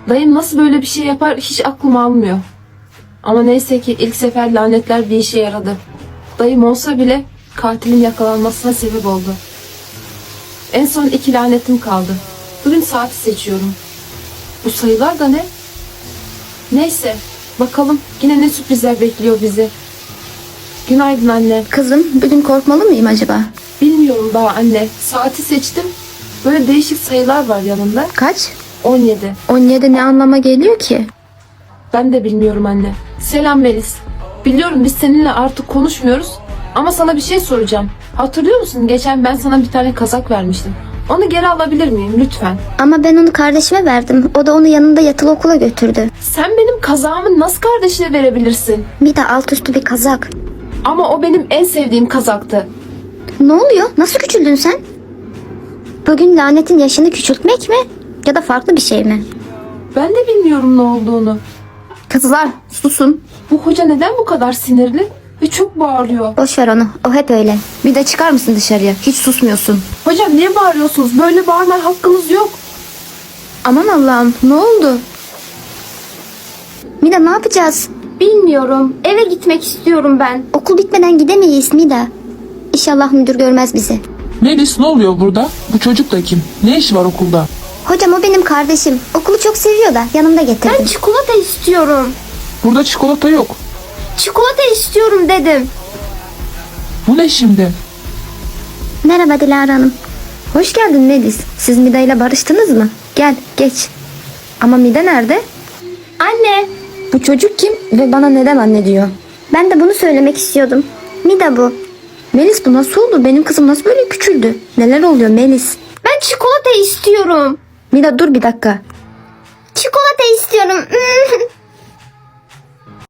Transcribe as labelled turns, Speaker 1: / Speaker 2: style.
Speaker 1: Dayım nasıl böyle bir şey yapar hiç aklım almıyor. Ama neyse ki ilk sefer lanetler bir işe yaradı. Dayım olsa bile katilin yakalanmasına sebep oldu. En son 2 lanetim kaldı. Bugün saati seçiyorum. Bu sayılar da ne? Neyse bakalım yine ne sürprizler bekliyor bizi. Günaydın anne.
Speaker 2: Kızım, bugün korkmalı mıyım acaba?
Speaker 1: Bilmiyorum daha anne. Saati seçtim. Böyle değişik sayılar var yanında.
Speaker 2: Kaç?
Speaker 1: 17.
Speaker 2: 17 ne anlama geliyor ki?
Speaker 1: Ben de bilmiyorum anne. Selam Melis. Biliyorum biz seninle artık konuşmuyoruz. Ama sana bir şey soracağım. Hatırlıyor musun? Geçen ben sana bir tane kazak vermiştim. Onu geri alabilir miyim lütfen?
Speaker 2: Ama ben onu kardeşime verdim. O da onu yanında yatılı okula götürdü.
Speaker 1: Sen benim kazağımı nasıl kardeşine verebilirsin?
Speaker 2: Bir de alt üstü bir kazak.
Speaker 1: Ama o benim en sevdiğim kazaktı.
Speaker 2: Ne oluyor? Nasıl küçüldün sen? Bugün lanetin yaşını küçültmek mi? Ya da farklı bir şey mi?
Speaker 1: Ben de bilmiyorum ne olduğunu.
Speaker 2: Kızlar, susun.
Speaker 1: Bu hoca neden bu kadar sinirli ve çok bağırıyor?
Speaker 2: Boş ver onu. O hep öyle. Bir de çıkar mısın dışarıya? Hiç susmuyorsun.
Speaker 1: Hocam niye bağırıyorsunuz? Böyle bağırmaya hakkınız yok.
Speaker 2: Aman Allah'ım, ne oldu? Mida, ne yapacağız?
Speaker 3: Bilmiyorum. Eve gitmek istiyorum ben.
Speaker 2: Okul bitmeden gidemeyiz Mida. İnşallah müdür görmez bizi.
Speaker 4: Melis, ne oluyor burada? Bu çocuk da kim? Ne işi var okulda?
Speaker 2: Hocam, o benim kardeşim. Okulu çok seviyor da yanımda getirdim.
Speaker 3: Ben çikolata istiyorum.
Speaker 4: Burada çikolata yok.
Speaker 3: Çikolata istiyorum dedim.
Speaker 4: Bu ne şimdi?
Speaker 2: Merhaba Dilara Hanım. Hoş geldin Melis. Siz Mida ile barıştınız mı? Gel, geç. Ama Mida nerede?
Speaker 3: Anne.
Speaker 2: Bu çocuk kim ve bana neden anne diyor? Ben de bunu söylemek istiyordum. Mida bu. Melis, bu nasıl oldu? Benim kızım nasıl böyle küçüldü? Neler oluyor Melis?
Speaker 3: Ben çikolata istiyorum.
Speaker 2: Mida, dur bir dakika.
Speaker 3: Çikolata istiyorum.